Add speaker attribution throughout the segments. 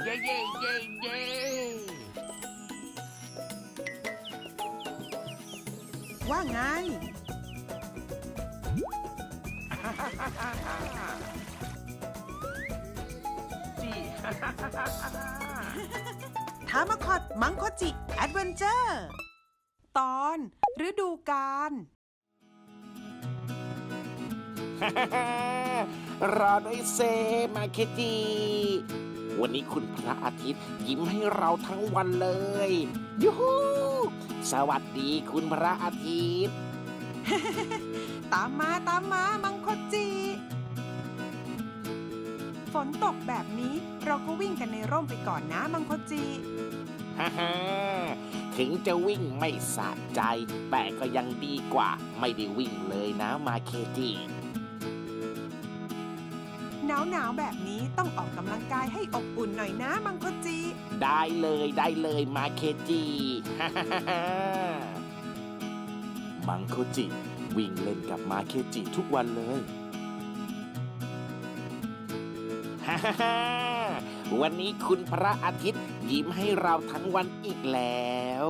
Speaker 1: เย้เย้เย้เย้
Speaker 2: ว่าไง
Speaker 1: จี
Speaker 2: ทามาคอดมังคจิแอดเวนเจอร์ ตอนฤดูกาล
Speaker 3: รอด้วยเซมาเคจิวันนี้คุณพระอาทิตย์ยิ้มให้เราทั้งวันเลยยูฮูสวัสดีคุณพระอาทิตย์
Speaker 2: ตามมามังคจิ ฝนตกแบบนี้เราก็วิ่งกันในร่มไปก่อนนะมังคจิ
Speaker 3: ฮ่าฮ่าถึงจะวิ่งไม่สะใจ แต่ก็ยังดีกว่าไม่ได้วิ่งเลยนะมาเคจิ
Speaker 2: หนาวแบบนี้ต้องออกกำลังกายให้อบอุ่นหน่อยนะมังคจิ
Speaker 3: ได้เลยมาเคจิฮ่าฮ่าฮ่ามังโคจิวิ่งเล่นกับมาเคจิทุกวันเลยฮ่าฮ่าฮ่าวันนี้คุณพระอาทิตย์ยิ้มให้เราทั้งวันอีกแล้ว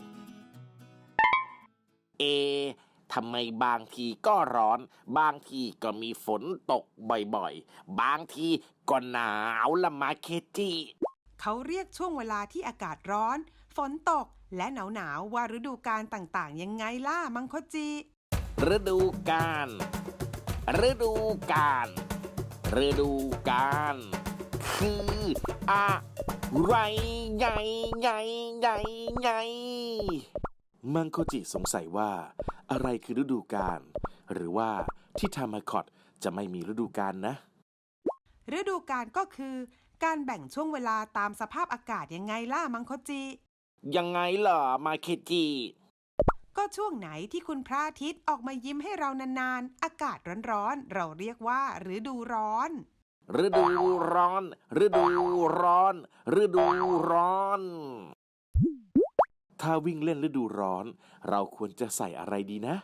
Speaker 3: ทำไมบางทีก็ร้อนบางทีก็มีฝนตกบ่อยๆบางทีก็หนาวละมาเคจิ
Speaker 2: เขาเรียกช่วงเวลาที่อากาศร้อน ฝนตกและหนาวว่าฤดูกาลต่างๆยังไงล่ะมังคจิ
Speaker 3: ฤดูกาลฤดูกาลฤดูกาลคืออะไรใหญ่มังโคจิสงสัยว่าอะไรคือฤดูกาลหรือว่าที่ทามาคอตจะไม่มีฤดูกาลนะ
Speaker 2: ฤดูกาลก็คือการแบ่งช่วงเวลาตามสภาพอากาศยังไงล่ะมังคจิ
Speaker 3: ยังไงเหรอมาเคจิ
Speaker 2: ก็ช่วงไหนที่คุณพระอาทิตย์ออกมายิ้มให้เรานานๆอากาศร้อนๆเราเรียกว่าฤดูร้อน
Speaker 3: ฤดูร้อนฤดูร้อนฤดูร้อน ถ้าวิ่งเล่นฤดูร้อนเราควรจะใส่อะไรดีนะ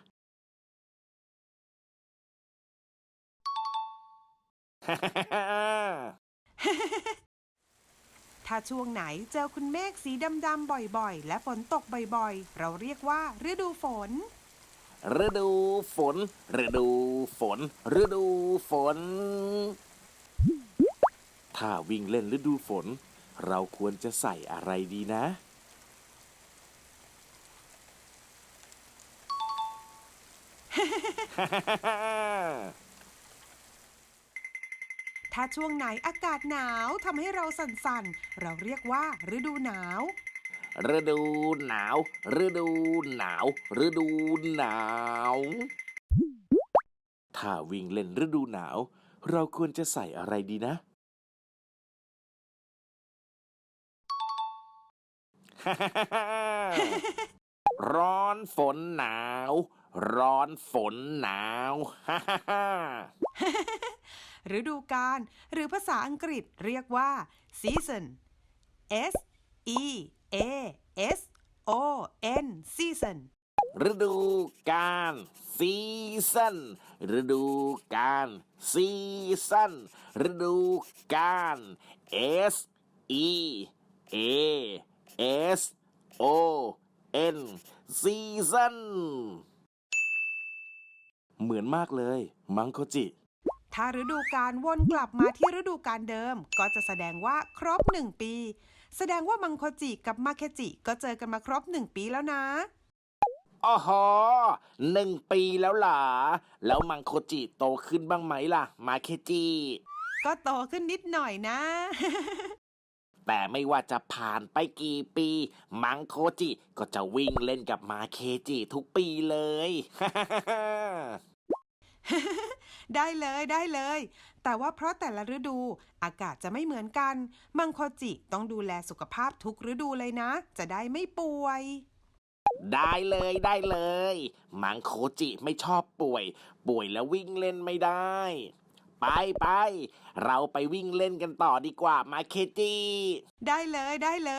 Speaker 2: ถ้าช่วงไหนเจอคุณเมฆสีดำๆบ่อยๆและฝนตกบ่อยๆเราเรียกว่าฤดูฝน
Speaker 3: ฤดูฝนฤดูฝนฤดูฝน ถ้าวิ่งเล่นฤดูฝนเราควรจะใส่อะไรดีนะ
Speaker 2: ถ้าช่วงไหนอากาศหนาวทำให้เราสั่นๆเราเรียกว่าฤดูหนาว
Speaker 3: ฤดูหนาวฤดูหนาวฤดูหนาว ถ้าวิ่งเล่นฤดูหนาวเราควรจะใส่อะไรดีนะ ร้อนฝนหนาวร้อนฝนหนาว
Speaker 2: ฤดูกาลหรือภาษาอังกฤษเรียกว่า season S E A S O N season
Speaker 3: ฤดูกาลซีซันฤดูกาลซีซันฤดูกาล S E A S O N ซีซันเหมือนมากเลยมังโคจิ
Speaker 2: ถ้าฤดูกาลวนกลับมาที่ฤดูกาลเดิมก็จะแสดงว่าครบ1 ปีแสดงว่ามังโคจิกับมาเคจิก็เจอกันมาครบ1 ปีแล้วนะ
Speaker 3: อ๋อหอ1 ปีแล้วล่ะแล้วมังโคจิโตขึ้นบ้างไหมล่ะมาเคจิ
Speaker 2: ก็โตขึ้นนิดหน่อยนะ
Speaker 3: แต่ไม่ว่าจะผ่านไปกี่ปีมังโคจิก็จะวิ่งเล่นกับมาเคจิทุกปีเลย
Speaker 2: ได้เลยแต่ว่าเพราะแต่ละฤดูอากาศจะไม่เหมือนกันมังโคจิต้องดูแลสุขภาพทุกฤดูเลยนะจะได้ไม่ป่วย
Speaker 3: ได้เลยมังโคจิไม่ชอบป่วยแล้ววิ่งเล่นไม่ได้ ไปเราไปวิ่งเล่นกันต่อดีกว่ามาเคจิ
Speaker 2: ได้เลย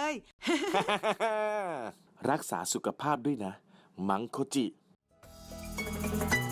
Speaker 3: รักษาสุขภาพด้วยนะมังโคจิ